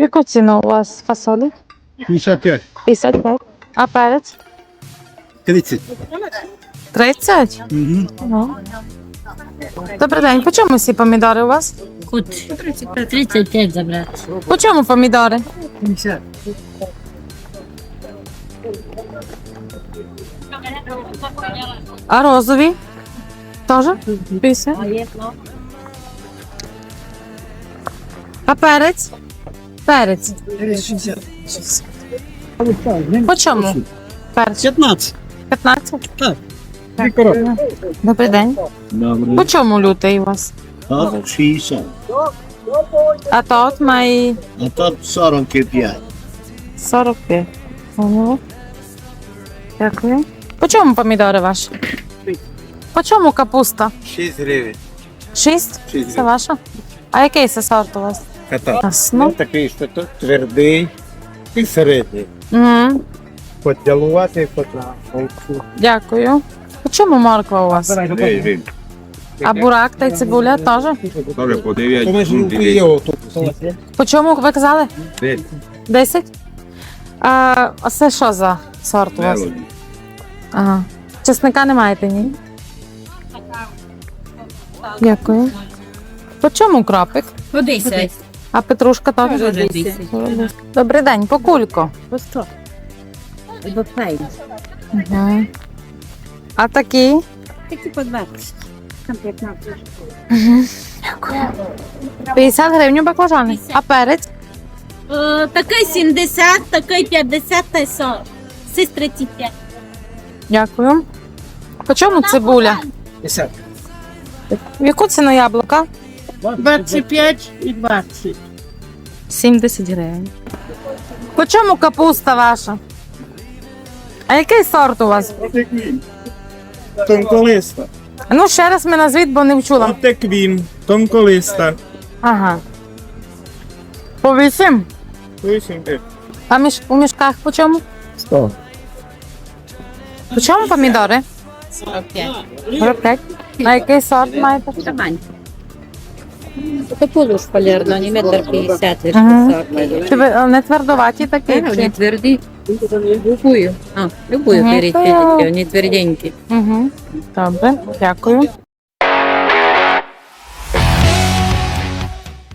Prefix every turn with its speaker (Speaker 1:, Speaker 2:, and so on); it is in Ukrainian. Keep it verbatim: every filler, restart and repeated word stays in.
Speaker 1: Яку ціну у вас фасолі?
Speaker 2: п'ятдесят п'ять.
Speaker 1: п'ятдесят п'ять. А перець?
Speaker 2: тридцять.
Speaker 1: тридцять?
Speaker 2: Угу.
Speaker 1: Ну. Добрий день. По чому всі помідори у вас?
Speaker 3: Кут тридцять п'ять забрати.
Speaker 1: По чому помідори?
Speaker 2: п'ятдесят.
Speaker 1: А розові? Теж? п'ятдесят. А перець? Перець.
Speaker 2: шістдесят.
Speaker 1: По чому? Перець.
Speaker 2: п'ятнадцять.
Speaker 1: п'ятнадцять?
Speaker 2: Так. Дві коробки.
Speaker 1: Добрий день. По чому лютий у вас?
Speaker 4: От шістдесят,
Speaker 1: А тут має
Speaker 4: а тут сорок п'ять.
Speaker 1: сорок п'ять. Поняла. Дякую. По чому помідори ваші? По чому капуста?
Speaker 4: шість гривень.
Speaker 1: Шість?
Speaker 4: Шість
Speaker 1: Це
Speaker 4: гривень.
Speaker 1: ваша? А який це сорт у вас?
Speaker 4: Ката.
Speaker 1: Ясно.
Speaker 4: Такий, що тут твердий і середній.
Speaker 1: Угу.
Speaker 4: Поділувати, потім.
Speaker 1: Дякую. По чому морква у вас? А бурак та й цибуля теж?
Speaker 5: Добре, по дев'ять.
Speaker 1: По чому ви казали? Десять? А, а це що за сорт у вас? Ага. Чесника не маєте, ні? Дякую. По чому кропик?
Speaker 3: По десять.
Speaker 1: А петрушка теж?
Speaker 3: Теж десять.
Speaker 1: Добрий день, по кульку.
Speaker 3: По сто. Бо файно.
Speaker 1: Угу. А такі?
Speaker 3: Такі по двадцять. Там п'ятнадцять.
Speaker 1: Дякую. п'ятдесят гривень баклажани. А перець?
Speaker 6: Е, Такий сімдесят, такий п'ятдесят та й сорок. Сись тридцять п'ять.
Speaker 1: Дякую. По чому цибуля?
Speaker 2: п'ятдесят.
Speaker 1: В яку ціну яблука?
Speaker 2: двадцять п'ять і двадцять.
Speaker 1: сімдесят гривень. По чому капуста ваша? А який сорт у вас?
Speaker 7: Тонколиста.
Speaker 1: Ну, ще раз мене назвіть, бо не вчула.
Speaker 7: Отеквін. Тонколиста.
Speaker 1: Ага. По вісім?
Speaker 7: вісім гривень.
Speaker 1: А між, у мішках по чому?
Speaker 2: сто.
Speaker 1: По чому помідори?
Speaker 3: сорок п'ять.
Speaker 1: сорок п'ять. А який сорт маєте?
Speaker 3: Табань. Це полуш полярно, не метр п'ятдесят.
Speaker 1: Ага. Чи ви е, не твердоваті такі?
Speaker 3: Вони
Speaker 1: Чи?
Speaker 3: тверді. Любую. А, любую
Speaker 1: Мгм.
Speaker 3: беріть, вони тверденькі.
Speaker 1: Угу. Добре, дякую.